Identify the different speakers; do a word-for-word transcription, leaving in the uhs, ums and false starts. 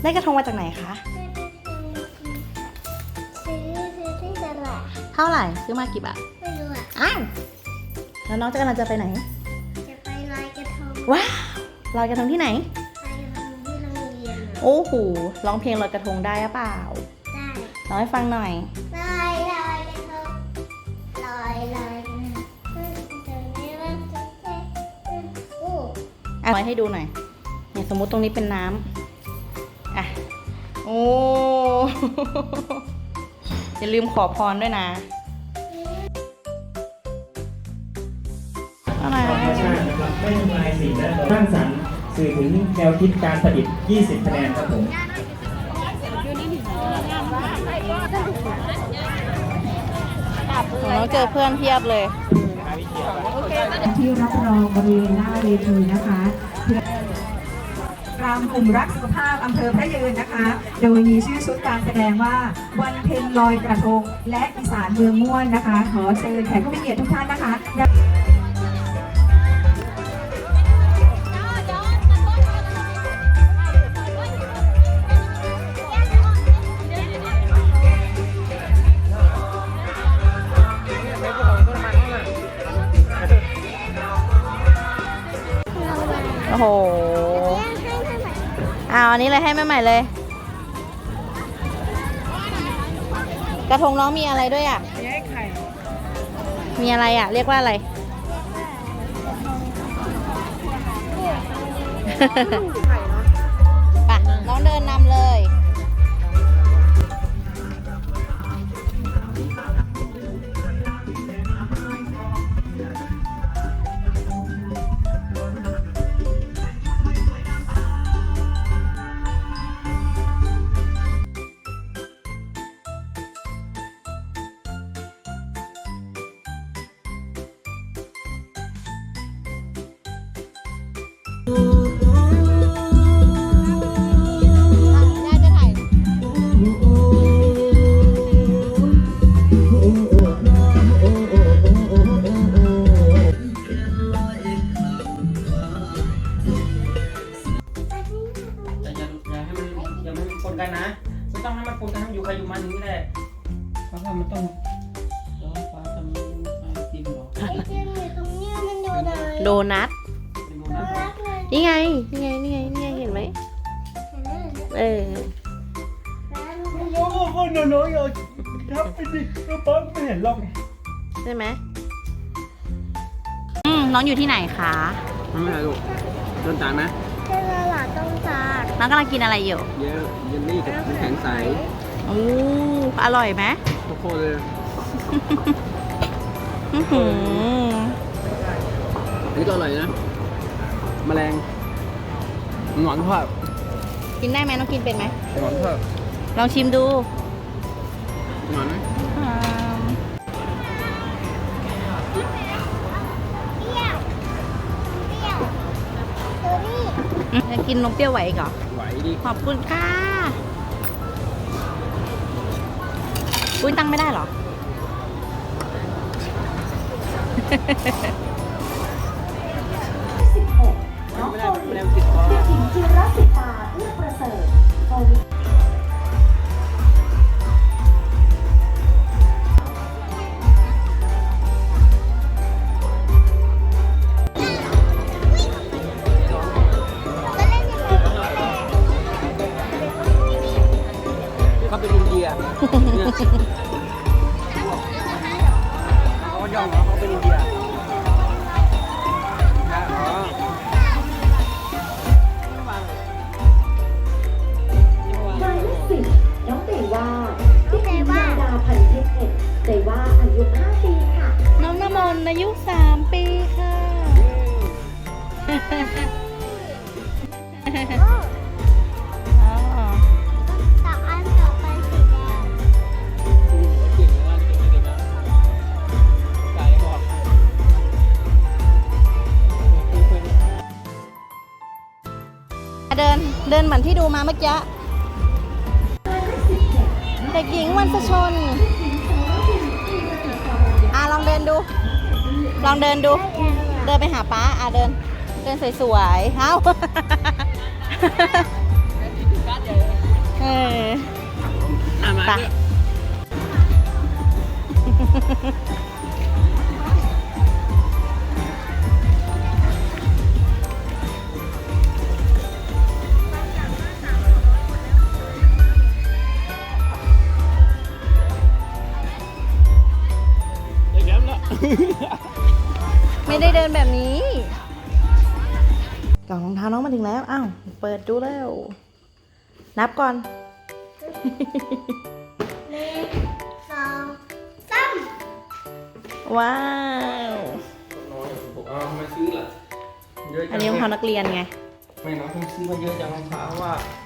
Speaker 1: ได้กระทงมาจากไหนคะ
Speaker 2: ซื้อซื้อที่ตลาด
Speaker 1: เท่าไหร่ซื้อมากี่บาท
Speaker 2: ไม่รู้อ่ะ
Speaker 1: อ้าวแล้วน้องจะกำลังจะไปไหน
Speaker 2: จะไปลอยกระทง
Speaker 1: ว้าวลอยกระทงที่ไหน
Speaker 2: ลอยกระทงที่โรงเรียนอะ
Speaker 1: โอ้โหร้องเพลงลอยกระทงได้หรือเปล่า
Speaker 2: ได้
Speaker 1: ร้องให้ฟังหน่อย
Speaker 2: ลอยลอยกระทงลอยลอยกระทงโอ้
Speaker 1: อ่ะลอยให้ดูหน่อยเนี่ยสมมุติตรงนี้เป็นน้ำอ่ะโอ้ อย่าลืมขอพรด้วยนะอะไร
Speaker 3: ธรรมชาตินะครับไม่ทำลายสิ่งแวดล้อมสร้างสรรค์สื่อถึงแนวคิดการประดิษฐ์ ยี่สิบ คะแนนครับผม
Speaker 1: ของน้องเจอเพื่อนเพียบเลย
Speaker 4: ที่รับรองบริเวณหน้าเวทีนะคะรำกลุ่มรักสุขภาพอำเภอพระยืนนะคะ โดยมีชื่อชุดการแสดงว่าวันเพ็ญลอยกระทงและอีสานเมืองม่วนนะคะ ขอเชิญแขกผู้มีเกียรติทุกท่านนะคะ
Speaker 1: โอ้โหเอาอันนี้เลยให้แม่ใหม่เลย กระทงน้องมีอะไรด้วยอ่ะมีอะไรอ่ะ เรียกว่าอะไร ไปน้องเดินนำเลย น่าจะถ่าย
Speaker 3: แต่อย่าอย่าให้มันอย่าให้มันปนกันนะไม่ต้องให้มันปนกันให้มันอยู่ใครอยู่มันนี่แหละเพราะว่ามันต้องร้องฟ้าทำไอติมหรอ
Speaker 2: ไอเดียอยู่ตรงเนี้ยมันอยู่ไหน
Speaker 1: โดนัท
Speaker 3: เป็นโม
Speaker 2: น่า
Speaker 3: นะ
Speaker 2: รักเลย
Speaker 1: นี่ไง นี่ไง นี่ไง นี่ไง เห็นไหม
Speaker 2: เห็นไหม
Speaker 1: เออ
Speaker 2: ร้าน
Speaker 3: โอ้โหโอ้โหน้อยๆอย่าทับไปดิแล้วป้าไม่เห็นหรอก
Speaker 1: ใช่ไหมอืมน้องอยู่ที่ไหนคะ
Speaker 3: ไม่เป็นไรลูกต้นจานไหม
Speaker 2: เจ้าหลานต้องการ
Speaker 1: น้องกำลังกินอะไรอยู่
Speaker 3: เยอะเยลลี่กับน้ำแข็งใส
Speaker 1: อู้อร่อยไหม
Speaker 3: โคโค่เลย
Speaker 1: อื้อหือ
Speaker 3: อันนี้ก็อร่อยนะแมลงหนอนทอด
Speaker 1: กินได้ไหมน้องกินเป็นไหม
Speaker 3: หนอนทอด
Speaker 1: ลองชิมดู
Speaker 3: หนอนไหม
Speaker 1: อืม
Speaker 2: เปรี้ยวเปรี้ยวเออนี่
Speaker 1: จะกินนมเปรี้ยวไหวอีกเหรอ
Speaker 3: ไหวดิ
Speaker 1: ขอบคุณค่ะอุ้ยตั้งไม่ได้เหรอ
Speaker 4: สิบหกน้อง
Speaker 3: ไม่
Speaker 4: โฟ
Speaker 3: ได้
Speaker 4: ลิ
Speaker 3: แมล
Speaker 4: น
Speaker 3: งติดคอ
Speaker 4: เด็กหญิงจิรศิตาเอื้อประเสริฐโฟลิน
Speaker 3: เขาเป็นอินเดียเนี่ยเขาก็ย่องเหรอเขาเป็นอินเดียอ๋อ
Speaker 4: หมายเลขสิบน้องเตว่าเด็กหญิงยาดาพันเพชรเอกเตว่าอายุห้าปีค่ะ
Speaker 1: น้องน้ำมนต์อายุสามปีค่ะ อ๋อ
Speaker 2: ต่ออันต่อไปสีแดง
Speaker 3: เก่งนะเก่งเก่งนะกายบอก
Speaker 1: เดิน เดินเหมือนที่ดูมาเมื่อกี้ เด็กหญิงวันสชน อ่ะลองเดินดู ลองเดินดู เดินไปหาป้า อ่ะเดิน เดินสวยๆ เอ้าไปะไม่ได้เดินแบบนี้กล่องรองเท้าน้องมาถึงแล้ว อ้าว เปิดดูแล้ว นับก่อน
Speaker 2: หนึ่งสองสาม
Speaker 1: ว้าว
Speaker 3: น้อยผมเอาทำไมซื้อล่ะเยอะจัง
Speaker 1: อันนี้รองเท้านักเรียนไง
Speaker 3: ไม่น้องเพิ่งซื้อมาเยอะจังรองเท้าว่า